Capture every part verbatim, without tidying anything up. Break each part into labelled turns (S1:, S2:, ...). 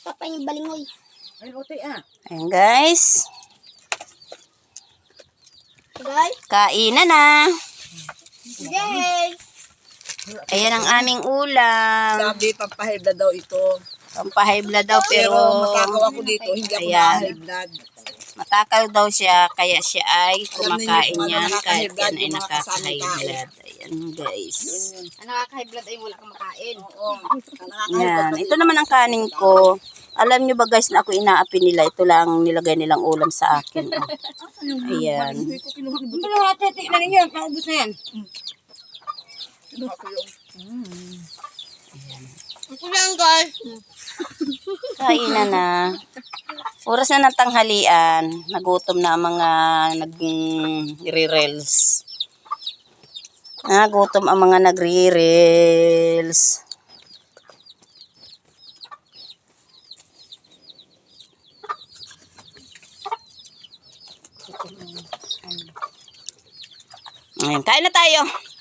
S1: Papa yung balingoy.
S2: Ay, otoy ah.
S3: Ayan guys.
S1: Guys.
S3: Kainan na.
S1: Yay!
S3: Ayan ang aming ulam.
S2: Sabi, pampahid na daw ito.
S3: Pampahigh blood daw pero
S2: Pero matakaw ako dito, hindi ako
S3: Ayan.
S2: na-high blood.
S3: matakal daw siya kaya siya ay
S2: Alam ninyo
S3: kumakain
S2: kung ano
S3: yan kahit
S2: nakaka-high blood,
S3: yan ay
S2: yung mga
S3: nakaka-high
S2: kasamang
S3: blood. Ayan guys.
S1: Ang nakaka-high blood ay wala kang makain.
S2: Oo. Ang nakaka-high
S3: Yan.
S2: blood
S3: Ito naman ang kanin ko. Alam nyo ba guys na ako inaapi nila. Ito lang nilagay nilang ulam sa akin. Oh. Ayan.
S2: Hindi ko kinuha. Ito lang natin, tignan ninyo. Maubos na yan. Kinuha ko yung...
S1: Ito lang guys.
S3: Kainan na. Oras na ng tanghalian. Nagutom na ang mga nagre-reels. Nagutom ang mga nagre-reels. Ayan, kain na tayo.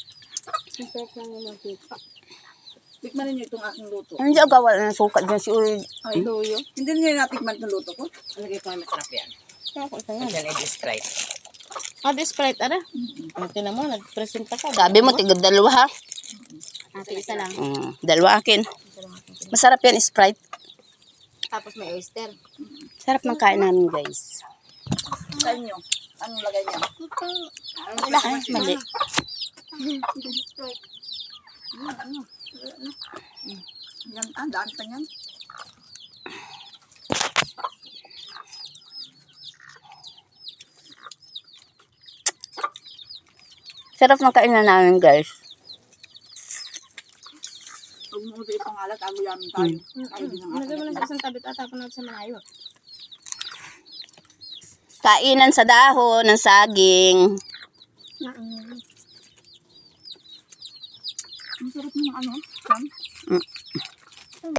S2: Tikman ninyo itong aking luto.
S3: Hindi ako gawa ng suka dyan si Uy.
S2: Ay, luyo. Hindi niyo natikman itong luto ko? Alagay ko ay masarap yan.
S3: Yan ay describe.
S1: Ah, this Sprite, ano? Ito na mo, nag-present ka.
S3: Sabi mo, tigod dalawa ha.
S1: Ate, isa lang.
S3: Mm, dalawa akin. Masarap yan, Sprite.
S1: Tapos may oyster.
S3: Sarap ng kain namin, guys.
S2: Sa inyo, anong lagay niya?
S3: Wala, ay, mali.
S2: Yan, ah, daan pa yan.
S3: Sarap ng kainan namin, guys.
S2: Huwag mo ito ipangalat, ago-yamin tayo. Tayo din ang
S1: Nagay mo lang
S2: aking.
S1: sa isang tabi at tapon natin sa malayo.
S3: Kainan sa dahon ng saging.
S2: Ang sarap ng ano, yan.
S3: Mm.